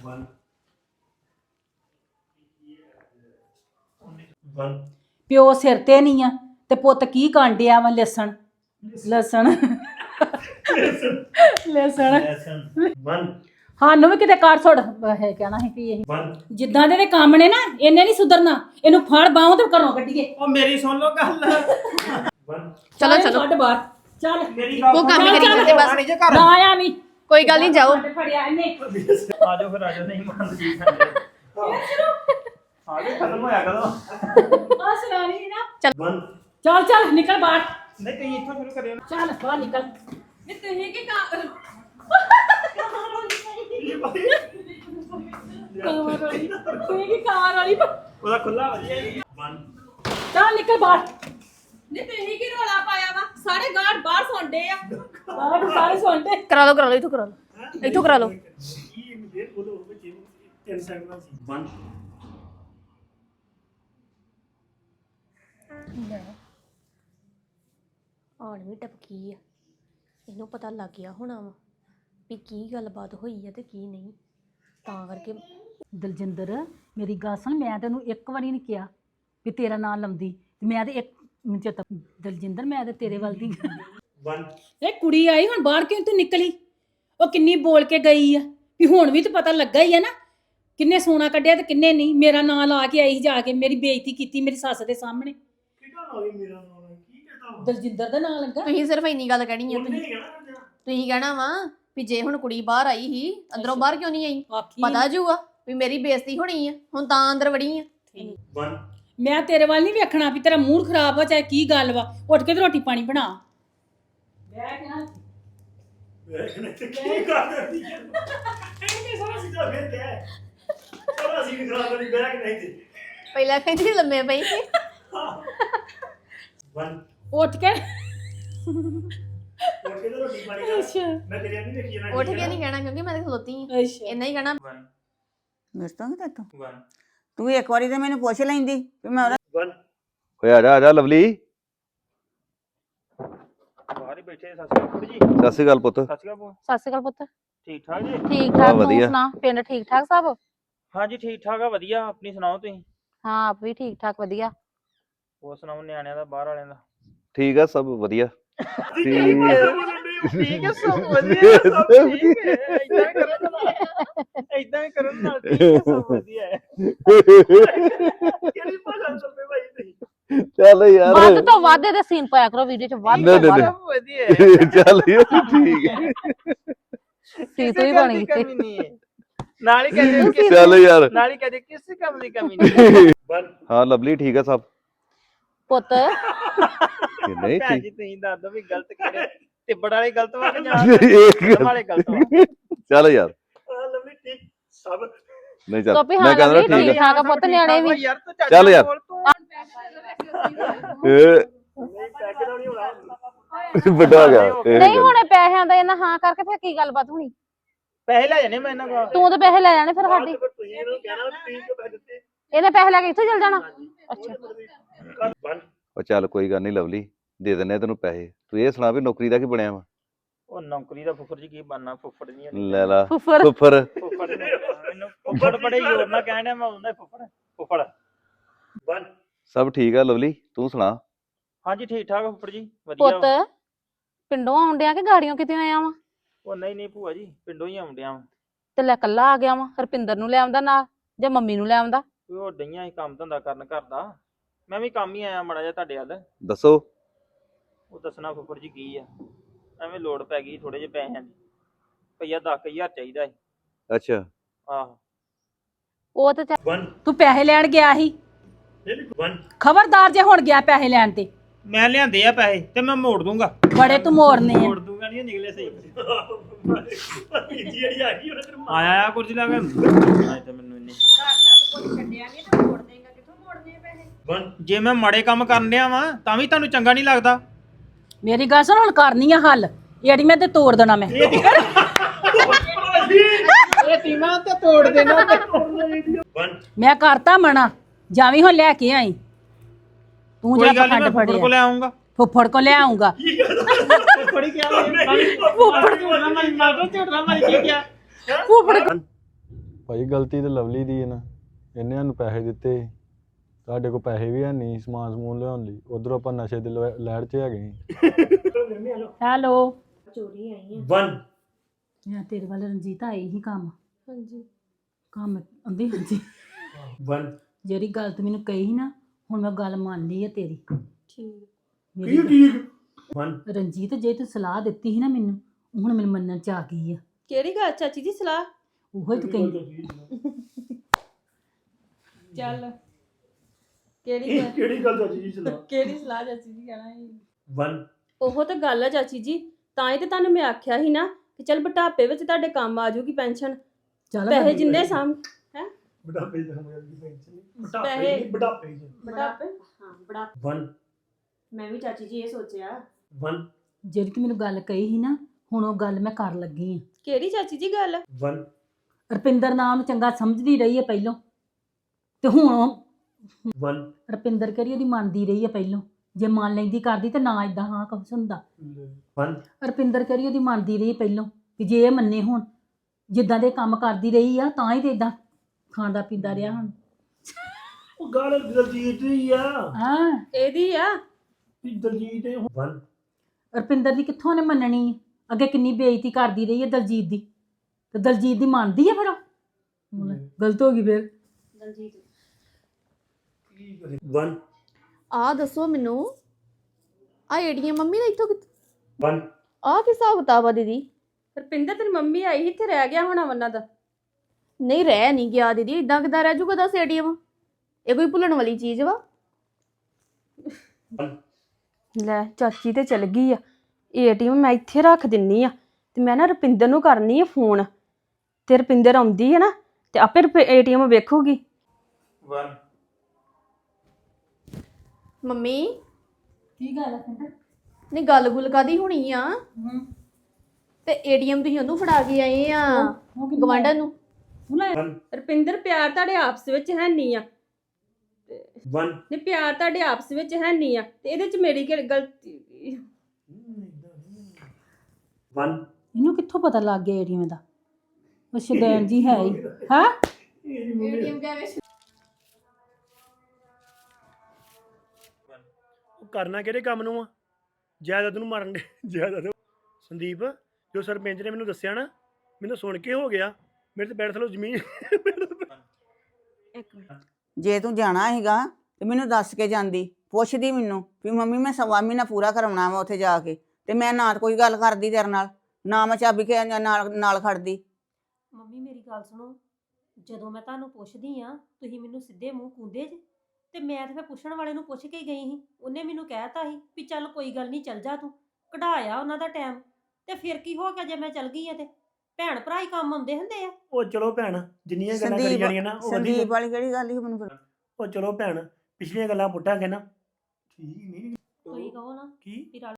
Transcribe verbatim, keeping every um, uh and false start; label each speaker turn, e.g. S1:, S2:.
S1: ਪਿਓ ਸਿਰ ਤੇ ਨਹੀਂ ਆ ਤੇ ਪੁੱਤ ਕੀ ਕਾਂਡਿਆ ਵਾ ਲਸਣ ਲਸਣ ਲਸਣ ਸਾਨੂੰ ਵੀ ਕਿਤੇ ਕਾਰ ਛੋੜ ਹੈ ਕਹਿਣਾ ਹੈ ਕਿ ਇਹ ਜਿੱਦਾਂ ਦੇ ਕੰਮ ਨੇ ਨਾ ਇਹਨੇ ਨਹੀਂ ਸੁਧਰਨਾ ਇਹਨੂੰ ਫੜ ਬਾਹੋਂ ਤੇ ਘਰੋਂ ਕੱਢੀਏ
S2: ਉਹ ਮੇਰੀ ਸੁਣ ਲਓ ਗੱਲ
S3: ਚਲੋ ਚਲੋ
S1: ਛੱਡ ਬਾਹਰ ਚੱਲ
S3: ਉਹ ਕੰਮ ਹੀ ਕਰੀ ਜਾਂਦੇ ਬਸ
S1: ਨਾ ਆਇਆ ਨਹੀਂ
S3: ਕੋਈ ਗੱਲ ਨਹੀਂ ਜਾਓ
S1: ਫੜਿਆ ਇਹਨੇ
S2: ਆ ਜਾਓ ਫਿਰ ਆ ਜਾਓ ਨਹੀਂ ਮੰਨਦੀ ਆ ਜਾਓ ਖਤਮ ਹੋਇਆ ਕਦੋਂ
S1: ਆ ਸੁਣਾਣੀ ਨਾ
S3: ਚੱਲ
S1: ਚੱਲ ਚੱਲ ਨਿਕਲ ਬਾਹਰ
S2: ਨਹੀਂ ਤੁਸੀਂ ਇੱਥੋਂ ਸ਼ੁਰੂ ਕਰਿਓ ਨਾ
S1: ਚੱਲ ਬਾਹਰ ਨਿਕਲ
S3: ਨਹੀਂ ਤੁਸੀਂ ਕੀ ਕਰ
S1: ਤੂੰ ਕੀ ਕਾਰ ਵਾਲੀ
S2: ਉਹਦਾ ਖੁੱਲਾ ਵਧੀਆ
S1: ਚੱਲ ਨਿਕਲ ਬਾਹਰ
S3: ਨਹੀਂ ਤੁਸੀਂ ਕੀ ਰੋਲਾ ਪਾਇਆ ਵਾ ਸਾਰੇ ਗਾਰਡ ਬਾਹਰ ਸੌਂਦੇ ਆ
S1: ਬਾਹਰ ਸਾਰੇ ਸੁਣਦੇ
S3: ਕਰਾ ਲਓ ਕਰਾ ਲਓ ਇੱਥੋਂ ਕਰਾ ਲਓ ਇੱਥੋਂ ਕਰਾ ਲਓ ਆਣ ਵੀ ਟਪਕੀ ਆ ਇਹਨੂੰ ਪਤਾ ਲੱਗ ਗਿਆ ਹੋਣਾ ਵਾ ਵੀ ਕੀ ਗੱਲਬਾਤ ਹੋਈ ਆ ਤੇ ਕੀ ਨਹੀਂ ਤਾਂ ਕਰਕੇ
S1: ਦਲਜਿੰਦਰ ਮੇਰੀ ਗੱਲ ਸੁਣ ਮੈਂ ਤੈਨੂੰ ਇੱਕ ਵਾਰੀ ਨਹੀਂ ਕਿਹਾ ਵੀ ਤੇਰਾ ਨਾਂ ਲੰਦੀ ਮੈਂ ਤੇ ਇੱਕ ਚੇਤਾ ਦਲਜਿੰਦਰ ਮੈਂ ਤੇ ਤੇਰੇ ਵੱਲ ਦੀ ਇਹ ਕੁੜੀ ਆਈ ਹੁਣ ਬਾਹਰ ਕਿਉਂ ਤੂੰ ਨਿਕਲੀ ਉਹ ਕਿੰਨੀ ਬੋਲ ਕੇ ਗਈ ਆ ਵੀ ਹੁਣ ਵੀ ਤਾਂ ਪਤਾ ਲੱਗਾ ਹੀ ਆ ਨਾ ਕਿੰਨੇ ਸੋਨਾ ਕੱਢਿਆ ਤੇ ਕਿੰਨੇ ਨਹੀਂ ਮੇਰਾ ਨਾਂ ਲਾ ਕੇ ਆਈ ਜਾ ਕੇ ਮੇਰੀ ਬੇਇੱਜ਼ਤੀ ਕੀਤੀ ਮੇਰੀ ਸੱਸ ਦੇ ਸਾਹਮਣੇ ਦਲਜਿੰਦਰ ਦਾ ਨਾਂ ਲੱਗਾ
S3: ਤੁਸੀਂ ਸਿਰਫ ਇੰਨੀ ਗੱਲ ਕਹਿਣੀ ਆ ਤੁਸੀਂ ਤੁਸੀਂ ਕਹਿਣਾ ਵਾ ਵੀ ਜੇ ਹੁਣ ਕੁੜੀ ਬਾਹਰ ਆਈ ਸੀ ਅੰਦਰੋਂ ਬਾਹਰ ਕਿਉਂ ਨਹੀਂ ਆਈ ਪਤਾ ਜੂਗਾ ਵੀ ਮੇਰੀ ਬੇਇੱਜ਼ਤੀ ਹੋਣੀ ਆ ਹੁਣ ਤਾਂ ਅੰਦਰ ਵੜੀ ਆ
S1: ਮੈਂ ਤੇਰੇ ਵੱਲ ਨਹੀਂ ਵੇਖਣਾ ਵੀ ਤੇਰਾ ਮੂਡ ਖਰਾਬ ਹੋ ਚਾਹੇ ਕੀ ਗੱਲ ਵਾ ਉੱਠ ਕੇ ਤੇ ਰੋਟੀ ਪਾਣੀ ਬਣਾ ਬੈਠ ਨਾ
S2: ਕੀ ਕਰਦੀ ਹੈ ਇਹ ਸਾਰਾ ਸਿੱਧਾ ਫਿਰ ਗਿਆ ਸਾਰਾ ਸੀ ਖਰਾਬ ਕਰੀ ਬੈਗ ਨਹੀਂ ਤੇ
S3: ਪਹਿਲਾਂ ਕਹਿੰਦੀ ਲੰਮੇ ਪਈ ਸੀ
S1: ਉੱਠ ਕੇ
S2: ਉੱਠ ਕੇ ਰੋਟੀ ਪਾਣੀ ਕਰ ਮੈਂ ਤੇਰੇ ਨਹੀਂ ਦੇਖੀ ਨਾ
S3: ਉੱਠ ਕੇ ਨਹੀਂ ਕਹਿਣਾ ਕਿਉਂਕਿ ਮੈਂ ਤਾਂ ਖਲੋਤੀ ਆ ਇੰਨਾ ਹੀ ਕਹਿਣਾ
S4: ਮਿਸਤਾਂ ਕਿ ਤੂੰ ਤੂੰ ਇੱਕ ਵਾਰੀ ਤੇ ਮੈਨੂੰ ਪੁੱਛ ਲੈਂਦੀ ਵੀ ਮੈਂ ਉਹਦਾ
S5: ਓਏ ਆ ਜਾ ਆ ਜਾ ਲਵਲੀ
S2: ਬਾਹਰ ਹੀ ਬੈਠੇ ਸਤਿ ਸ਼੍ਰੀ ਅਕਾਲ ਜੀ
S5: ਸਤਿ ਸ਼੍ਰੀ ਅਕਾਲ ਪੁੱਤ
S2: ਸਤਿ ਸ਼੍ਰੀ ਅਕਾਲ
S6: ਸਤਿ ਸ਼੍ਰੀ ਅਕਾਲ ਪੁੱਤ
S2: ਠੀਕ ਠਾਕ ਜੀ
S6: ਠੀਕ ਠਾਕ ਤੂੰ ਸੁਣਾ ਪਿੰਡ ਠੀਕ ਠਾਕ ਸਭ
S2: ਹਾਂਜੀ ਠੀਕ ਠਾਕ ਆ ਵਧੀਆ ਆਪਣੀ ਸੁਣਾਓ ਤੁਸੀਂ
S6: ਹਾਂ ਆਪ ਵੀ ਠੀਕ ਠਾਕ ਵਧੀਆ
S2: ਹੋਰ ਸੁਣਾਓ ਨਿਆਣਿਆਂ ਦਾ ਬਾਹਰ ਵਾਲਿਆਂ ਦਾ
S5: ਠੀਕ ਆ ਸਭ ਵਧੀਆ
S2: ਠੀਕ ਹੈ ਠੀਕ ਹੈ ਸਭ ਵਧੀਆ ਸਭ ਠੀਕ ਹੈ ਇਦਾਂ ਕਰਨ ਨਾਲ ਇਦਾਂ ਕਰਨ ਨਾਲ ਠੀਕ ਹੈ ਸਭ ਵਧੀਆ ਹੈ ਕਿਹੜੀ ਭਾਸ਼ਾ ਚੱਲਦੇ ਭਾਈ ਤੁਸੀਂ
S5: ਚੱਲ ਯਾਰ
S6: ਵੱਧ ਤੋਂ ਵੱਧ ਇਹਦੇ ਸੀਨ ਪਾਇਆ ਕਰੋ ਵੀਡੀਓ ਚ ਵੱਧ ਤੋਂ ਵੱਧ
S2: ਵਧੀਆ ਹੈ
S5: ਚੱਲ ਯਾਰ ਠੀਕ ਹੈ
S6: ਸੀ ਤੂੰ ਹੀ ਬਣ ਗਈ
S2: ਕਮੀ ਨਹੀਂ ਹੈ ਨਾਲ ਹੀ ਕਹਿੰਦੇ
S5: ਚੱਲ ਯਾਰ
S2: ਨਾਲ ਹੀ ਕਹਿੰਦੇ ਕਿਸੇ ਕੰਮ ਦੀ ਕਮੀ ਨਹੀਂ
S5: ਹਾਂ ਲਵਲੀ ਠੀਕ ਆ ਸਭ
S6: ਪੁੱਤ
S5: ਨਹੀਂ
S2: ਭੈਣ
S5: ਠੀਕ
S2: ਜੀ ਤੁਸੀਂ ਦੱਸ ਦੋ ਵੀ ਗਲਤ ਕਿਹੜੇ ਤਿੱਬੜ ਵਾਲੇ ਗਲਤ ਵਾ ਕਿ ਜਾਂ
S5: ਇੱਕ ਗੱਲ-
S2: ਵਾਲੇ ਗਲਤ ਵਾ
S5: ਚੱਲ ਯਾਰ
S2: ਲਵਲੀ ਠੀਕ ਸਭ
S5: ਨਹੀਂ ਚੱਲ
S6: ਤੋਪੀ
S5: ਮੈਂ
S6: ਹਾਂ
S5: ਕਹਿੰਦਾ
S6: ਲਵਲੀ
S5: ਠੀਕ
S6: ਠੀਕ ਠਾਕ ਆ ਪੁੱਤ ਨਿਆਣੇ ਵੀ
S2: ਯਾਰ ਤੂੰ ਚੱਜ
S5: ਚੱਲ
S2: ਨਾਲ
S5: ਯਾਰ।
S2: ਬੋਲ ਤੂੰ
S5: ਆ
S2: ਨਹੀਂ ਪੈਕੇ ਦਾ ਨਹੀਂ ਹੋਣਾ
S5: ਵੱਡਾ ਹੋ ਗਿਆ ਇਹ
S6: ਨਹੀਂ
S5: ਗੱਲ।
S6: ਹੁਣੇ ਪੈਸਿਆਂ ਦਾ ਇਹਨਾਂ ਹਾਂ ਕਰਕੇ ਫਿਰ ਕੀ ਗੱਲਬਾਤ ਹੋਣੀ
S2: ਪੈਸੇ ਲੈ ਜਾਣੇ ਮੈਂ ਇਹਨਾਂ ਕੋਲ
S6: ਤੂੰ ਤੇ ਪੈਸੇ ਲੈ ਜਾਣੇ ਫਿਰ ਸਾਡੀ
S2: ਤੁਸੀਂ ਇਹਨੂੰ ਕਹਿਣਾ ਵੀ ਤੁਸੀਂ ਕਿਉਂ ਪੈਸੇ ਦਿੱਤੇ
S6: ਇਹਨੇ ਪੈਸੇ ਲੈ ਕੇ ਇੱਥੇ ਚਲ ਜਾਣਾ ਅੱਛਾ
S5: ਉਹ ਚੱਲ ਕੋਈ ਗੱਲ ਨਹੀਂ ਲਵਲੀ ਦੇ ਦਿੰਨੇ ਆ ਤੈਨੂੰ ਪੈਸੇ ਤੂੰ ਇਹ ਸੁਣਾ ਵੀ ਨੌਕਰੀ ਦਾ ਕੀ ਬਣਿਆ ਵਾ
S2: ਉਹ ਨੌਕਰੀ ਦਾ ਫੁੱਫੜ ਜੀ ਕੀ ਬਣਨਾ ਫੁੱਫੜ ਨਹੀਂ
S5: ਲੈ ਲਾ
S6: ਫੁੱਫੜ
S5: ਫੁੱਫਰ
S2: ਫੁੱਫੜ ਮੈਨੂੰ ਫੁੱਫੜ ਬੜੇ ਜ਼ੋਰ ਨਾਲ ਕਹਿਣਾ ਮੈਂ ਹੁੰਦਾ ਫੁੱਫੜ ਫੁੱਫੜ ਬਨ
S5: ਸਭ ਠੀਕ ਆ ਲਵਲੀ ਤੂੰ ਸੁਣਾ
S2: ਹਾਂਜੀ ਠੀਕ ਠਾਕ ਫੁੱਫੜ ਜੀ ਵਧੀਆ
S6: ਪੁੱਤ ਪਿੰਡੋਂ ਆਉਂਦਿਆਂ ਕਿ ਗਾੜੀਆਂ ਕਿਤੇ ਆਇਆ ਵਾ
S2: ਉਹ ਨਹੀਂ ਨਹੀਂ ਭੂਆ ਜੀ ਪਿੰਡੋਂ ਹੀ ਆਉਂਦਿਆਂ ਵਾ
S6: ਤੇ ਲੈ ਕੱਲਾ ਆ ਗਿਆ ਵਾ ਹਰਪਿੰਦਰ ਨੂੰ ਲੈ ਆਉਂਦਾ ਨਾਲ ਜਾਂ ਮੰਮੀ ਨੂੰ ਲੈ ਆਉਂਦਾ
S2: ਉਹ ਡਈਆਂ ਹੀ ਕੰਮ ਧੰਦਾ ਕਰਨ ਘਰ ਦਾ ਮੈਂ ਵੀ ਕੰਮ ਹੀ ਆਇਆ ਮਾੜਾ ਜਿਹਾ ਤੁਹਾਡੇ ਵੱਲ
S5: ਦੱਸੋ
S2: ਉਹ ਦੱਸਣਾ ਫੁੱਫੜ ਜੀ ਕੀ ਆ ਐਵੇਂ ਲੋੜ ਪੈ ਗਈ ਥੋੜੇ ਜਿਹੇ ਪੈਸਿਆਂ ਦੀ ਭਈਆ ਦਸ ਹਜ਼ਾਰ ਚਾਹੀਦਾ ਸੀ
S5: ਅੱਛਾ
S2: ਆਹੋ
S6: ਉਹ ਤੇ ਚੱਲ-
S1: ਤੂੰ ਪੈਸੇ ਲੈਣ ਗਿਆ ਸੀ ਖਬਰਦਾਰ ਜੇ ਹੁਣ ਗਿਆ ਪੈਸੇ ਲੈਣ ਤੇ
S2: ਮੈਂ ਲਿਆਂਦੇ ਆ ਪੈਸੇ ਤੇ ਮੈਂ ਮੋੜ ਦੂੰਗਾ
S1: ਬੜੇ ਤੂੰ ਮੋੜਨੇ ਆ
S2: ਮੋੜ ਦੂੰਗਾ ਨਹੀਂ ਨਿਕਲੇ ਸਹੀ ਜਿਹੜੀ ਆ ਗਈ ਉਹਨੇ ਤੈਨੂੰ ਆਇਆ ਆ ਕੁਰਸੀ ਲਾ ਕੇ ਆਏ ਤੇ ਮੈਨੂੰ ਇੰਨੀ ਜੇ ਮੈਂ ਮਾੜੇ ਕੰਮ ਕਰਨ ਡਿਆ ਵਾਂ ਤਾਂ ਵੀ ਤੁਹਾਨੂੰ ਚੰਗਾ ਨਹੀਂ ਲੱਗਦਾ
S1: ਮੇਰੀ ਗੱਲ ਸੁਣ ਹੁਣ ਕਰਨੀ ਆ ਹੱਲ ਏੜੀ ਮੈਂ ਤੇ ਤੋੜ ਦੇਣਾ ਮੈਂ
S2: ਇਹ ਟੀਮਾਂ ਤੇ ਤੋੜ ਦੇਣਾ
S1: ਮੈਂ ਕਰਤਾ ਮਣਾ ਜਾਵੀਂ ਹੁਣ ਲੈ ਕੇ ਆਈ ਤੂੰ
S2: ਕੋਈ
S1: ਜਾ
S2: ਗੱਲ ਨਹੀਂ ਮੈਂ
S1: ਪਖੰਡ
S2: ਫੁੱਫੜ ਕੋ
S1: ਫੜਿਆ
S2: ਲੈ ਆਉਂਗਾ
S1: ਫੁੱਫੜ ਕੋ ਲੈ ਆਉਂਗਾ
S2: ਫੁੱਫੜੀ ਕਿਹਾ ਫੁੱਫੜ ਝੋਟਣਾ ਮਾਰੀ ਝੋਟਣਾ ਮਾਰੀ ਕੀ ਕਿਹਾ
S1: ਫੁੱਫੜ
S7: ਭਾਈ ਗਲਤੀ ਤੇ ਲਵਲੀ ਦੀ ਹੈ ਨਾ, ਇਹਨੇ ਸਾਨੂੰ ਪੈਸੇ ਦਿੱਤੇ ਸੀ। ਸਾਡੇ ਕੋਲ ਪੈਸੇ ਵੀ ਹੈ ਨਹੀਂ ਸਮਾਨ ਸਮੂਨ ਲਿਆਉਣ ਲਈ, ਉਧਰੋਂ ਆਪਾਂ ਨਸ਼ੇ ਦੇ ਲਹਿ- ਲਹਿਰ 'ਚ ਹੈਗੇ ਸੀ।
S1: ਹੈਲੋ
S2: ਚੋਰੀ ਆਈ ਹੈ
S8: ਵਨ
S1: ਮੈਂ ਤੇਰੇ ਵੱਲ ਰਣਜੀਤ ਆਈ ਹੀ ਕੰਮ
S3: ਹਾਂਜੀ
S1: ਕੰਮ ਆਂਦੀ ਹਾਂਜੀ
S8: ਵਨ
S1: ਜਿਹੜੀ ਗੱਲ ਤੂੰ ਮੈਨੂੰ ਕਹੀ ਸੀ ਨਾ, ਹੁਣ ਮੈਂ ਗੱਲ ਮੰਨ ਲਈ ਹੈ ਤੇਰੀ।
S3: ਠੀਕ
S1: ਮੇਰੀ
S8: ਕੀ ਠੀਕ ਵਨ
S1: ਰਣਜੀਤ ਜੇ ਤੂੰ ਸਲਾਹ ਦਿੱਤੀ ਸੀ ਨਾ ਮੈਨੂੰ, ਹੁਣ ਮੈਨੂੰ ਮੰਨਣ ਚ ਆ ਗਈ ਆ।
S3: ਕਿਹੜੀ ਗੱਲ ਚਾਚੀ ਦੀ ਸਲਾਹ?
S1: ਉਹੋ ਹੀ ਤੂੰ ਕਹਿੰਦੀ
S3: ਚੱਲ ਕਿਹੜੀ ਗੱਲ
S8: ਕਿਹੜੀ ਗੱਲ ਚਾਚੀ ਜੀ ਸੁਣਾ
S3: ਕਿਹੜੀ ਸਲਾਹ ਚਾਚੀ ਦੀ ਕਹਿਣਾ ਹੈ?
S8: ਵਨ
S9: ਉਹ ਤਾਂ ਗੱਲ ਆ ਚਾਚੀ ਜੀ, ਤਾਂ ਹੀ ਤੇ ਤੁਹਾਨੂੰ ਮੈਂ ਆਖਿਆ ਸੀ ਨਾ ਕਿ ਚੱਲ ਬੁਢਾਪੇ ਵਿੱਚ ਤੁਹਾਡੇ ਕੰਮ ਆ ਜਾਊਗੀ ਪੈਨਸ਼ਨ।
S1: ਚੱਲ
S9: ਪੈਸੇ
S1: ਮੈਂ-
S9: ਜਿੰਨੇ ਸਾਂਭ
S8: ਬੁਢਾਪੇ ਦਾ ਸਮਝ ਆਉਂਦੀ ਪੈਨਸ਼ਨ
S9: ਪੈਸੇ-
S8: ਬੁਢਾਪੇ ਬੁਢਾਪੇ
S9: ਬੁਢਾਪੇ
S2: ਹਾਂ ਬੜਾ
S8: ਵਨ
S2: ਮੈਂ ਵੀ ਚਾਚੀ ਜੀ ਇਹ ਸੋਚਿਆ
S8: ਵਨ
S1: ਜਿਹੜੀ ਤੂੰ ਮੈਨੂੰ ਗੱਲ ਕਹੀ ਸੀ ਨਾ, ਹੁਣ ਉਹ ਗੱਲ ਮੈਂ ਕਰਨ ਲੱਗੀ ਆ।
S9: ਕਿਹੜੀ ਚਾਚੀ ਜੀ ਗੱਲ?
S8: ਵਨ
S1: ਰੁਪਿੰਦਰ ਨਾਮ ਨੂੰ ਚੰਗਾ ਸਮਝਦੀ ਰਹੀ ਹੈ ਪਹਿਲੋਂ, ਤੇ ਹੁਣ ਉਹ
S8: ਵਨ
S1: ਰੁਪਿੰਦਰ ਕਰੀ ਉਹਦੀ ਮੰਨਦੀ ਰਹੀ ਹੈ ਪਹਿਲੋਂ। ਜੇ ਮੰਨ ਲੈਂਦੀ ਕਰਦੀ ਤੇ ਨਾ ਇਦਾਂ ਹਾਂ ਕੁਛ ਹੁੰਦਾ।
S8: ਵਨ
S1: ਰੁਪਿੰਦਰ ਕਰੀ ਉਹਦੀ ਮੰਨਦੀ ਰਹੀ ਪਹਿਲੋਂ, ਕਿ ਜੇ ਇਹ ਮੰਨੇ ਹੁਣ ਜਿੱਦਾਂ ਦੇ ਕੰਮ ਕਰਦੀ ਰਹੀ ਆ, ਤਾਂ ਹੀ ਤੇ ਇਦਾਂ ਖਾਂਦਾ ਪੀਂਦਾ ਰਿਹਾ ਹੁਣ।
S8: ਉਹ ਗੱਲ ਦਲਜੀਤ ਦੀ ਆ
S1: ਹਾਂ
S9: ਇਹਦੀ ਆ।
S8: ਵੀ ਦਲਜੀਤ ਵਨ
S1: ਰੁਪਿੰਦਰ ਦੀ ਕਿੱਥੋਂ ਨੇ ਮੰਨਣੀ ਹੈ? ਅੱਗੇ ਕਿੰਨੀ ਬੇਇੱਜ਼ਤੀ ਕਰਦੀ ਰਹੀ ਹੈ ਦਲਜੀਤ ਦੀ, ਤੇ ਦਲਜੀਤ ਦੀ ਮੰਨਦੀ ਹੈ ਫਿਰ ਉਹ? ਗਲਤ ਹੋ ਗਈ ਫਿਰ।
S2: ਦਲਜੀਤ
S8: ਕੀ ਕਰੇ ਵਨ
S3: ਆ ਦੱਸੋ ਮੈਨੂੰ, ਆ ਏਟੀਐਮ ਮੰਮੀ ਦਾ ਇੱਥੋਂ ਕਿੱਥੋਂ?
S8: ਵਨ
S3: ਆ ਕੀ ਹਿਸਾਬ ਕਿਤਾਬ ਆ ਦੀਦੀ?
S9: ਰੁਪਿੰਦਰ ਤੇਰੀ ਮੰਮੀ ਆਈ ਸੀ, ਇੱਥੇ ਰਹਿ ਗਿਆ ਹੋਣਾ ਵੰਨਾ ਦਾ।
S3: ਨਹੀਂ ਰਹਿ ਨਹੀਂ ਗਿਆ ਦੀਦੀ, ਇਦਾਂ ਕਿਦਾਂ ਰਹਿ ਜੂਗਾ ਦੱਸ ਏਟੀਐਮ? ਇਹ ਕੋਈ ਭੁੱਲਣ ਵਾਲੀ ਚੀਜ਼ ਵਾ?
S9: ਲੈ ਚਾਚੀ ਤੇ ਚਲ ਗਈ ਆ, ਏਟੀਐਮ ਮੈਂ ਇੱਥੇ ਰੱਖ ਦਿੰਨੀ ਆ, ਤੇ ਮੈਂ ਨਾ ਰੁਪਿੰਦਰ ਨੂੰ ਕਰਨੀ ਆ ਫੋਨ, ਤੇ ਰੁਪਿੰਦਰ ਆਉਂਦੀ ਹੈ ਨਾ ਤੇ ਆਪੇ ਏਟੀਐਮ ਵੇਖੂਗੀ।
S8: ਵਨ
S3: ਮੰਮੀ
S1: ਕੀ ਗੱਲ ਹੈ ਕਹਿੰਦਾ?
S3: ਨਹੀਂ ਗੱਲ ਗੁੱਲ ਕਾਦੀ ਹੋਣੀ ਆ?
S1: ਹੂੰ
S3: ਤੇ ਏਟੀਐਮ ਤੁਸੀਂ ਉਹਨੂੰ ਫੜਾ ਕੇ ਆਏ ਆ
S1: ਉਹ ਕਿੰਨੀ
S3: ਗਵਾਂਢਣ ਨੂੰ?
S9: ਰੁਪਿੰਦਰ ਪਿਆਰ ਤੁਹਾਡੇ ਆਪਸ ਵਿੱਚ ਹੈ ਨਹੀਂ ਆ,
S8: ਵਨ
S9: ਨਹੀਂ ਪਿਆਰ ਤੁਹਾਡੇ ਆਪਸ ਵਿੱਚ ਹੈ ਨਹੀਂ ਆ, ਤੇ ਇਹਦੇ ਚ ਮੇਰੀ ਕਿਹੜੀ ਗਲਤੀ?
S8: ਵਨ
S1: ਇਹਨੂੰ ਕਿੱਥੋਂ ਪਤਾ ਲੱਗ ਗਿਆ ਏਰੀਏ ਦਾ? ਉਹ ਸ਼ਦੈਨ ਜੀ ਹੈ ਹੀ। ਹਾਂ
S3: ਏਟੀਐਮ ਕਹਿ ਵਿੱਚ
S8: ਉਹ ਕਰਨਾ ਕਿਹੜੇ ਕੰਮ ਨੂੰ ਆ? ਜਾਇਦਾਦ ਨੂੰ ਮਾਰਨ ਦੇ ਜਾਇਦਾਦ। ਸੰਦੀਪ ਜੋ ਸਰਪੰਚ ਨੇ ਮੈਨੂੰ ਦੱਸਿਆ ਨਾ, ਮੈਨੂੰ ਸੁਣ ਕੇ ਹੋ ਗਿਆ, ਮੇਰੇ ਤੇ ਬੈਠ ਥਲੋ ਜ਼ਮੀਨ।
S9: ਇੱਕ ਮਿੰਟ,
S4: ਜੇ ਤੂੰ ਜਾਣਾ ਹੈਗਾ ਤੇ ਮੈਨੂੰ ਦੱਸ ਕੇ ਜਾਂਦੀ, ਪੁੱਛਦੀ ਮੈਨੂੰ ਵੀ ਮੰਮੀ ਮੈਂ ਸਵਾ ਮਹੀਨਾ ਪੂਰਾ ਕਰਾਉਣਾ ਵਾ ਉੱਥੇ ਜਾ ਕੇ, ਤੇ ਮੈਂ ਨਾ ਤਾਂ ਕੋਈ ਗੱਲ ਕਰਦੀ ਤੇਰੇ ਨਾਲ, ਨਾ ਮੈਂ ਚਾਬੀ ਕੇ ਨਾਲ ਨਾਲ ਖੜਦੀ।
S2: ਮੰਮੀ ਮੇਰੀ ਗੱਲ ਸੁਣੋ, ਜਦੋਂ ਮੈਂ ਤੁਹਾਨੂੰ ਪੁੱਛਦੀ ਆ ਤੁਸੀਂ ਮੈਨੂੰ ਸਿੱਧੇ ਮੂੰਹ ਕੂੰਦੇ ਜੇ, ਤੇ ਮੈਂ ਤਾਂ ਫਿਰ ਪੁੱਛਣ ਵਾਲੇ ਨੂੰ ਪੁੱਛ ਕੇ ਗਈ ਸੀ। ਉਹਨੇ ਮੈਨੂੰ ਕਹਿਤਾ ਸੀ ਵੀ ਚੱਲ ਕੋਈ ਗੱਲ ਨਹੀਂ ਚੱਲ ਜਾ, ਤੂੰ ਕਢਾਇਆ ਉਹਨਾਂ ਦਾ ਟਾਈਮ, ਤੇ ਫਿਰ ਕੀ ਹੋ ਗਿਆ ਜੇ ਮੈਂ ਚੱਲ ਗਈ ਆ? ਤੇ ਭੈਣ ਭਰਾ ਹੀ ਕੰਮ ਆਉਂਦੇ ਹੁੰਦੇ ਆ।
S8: ਉਹ ਚਲੋ ਭੈਣ, ਜਿੰਨੀਆਂ ਗੱਲਾਂ ਕਰੀ
S4: ਸੰਦੀਪ
S8: ਜਾਣੀਆਂ ਨਾ ਉਹ
S4: ਸੰਦੀਪ
S8: ਵਧੀਆ।
S4: ਵਾਲੀ ਕਿਹੜੀ ਗੱਲ ਸੀ ਮੈਨੂੰ ਫਿਰ?
S8: ਉਹ ਚਲੋ ਭੈਣ, ਪਿਛਲੀਆਂ ਗੱਲਾਂ ਪੁੱਟਾਂਗੇ ਨਾ, ਠੀਕ ਨਹੀਂ
S2: ਕੋਈ ਕਹੋ ਨਾ
S8: ਕੀ
S2: ਵੀ ਰਲ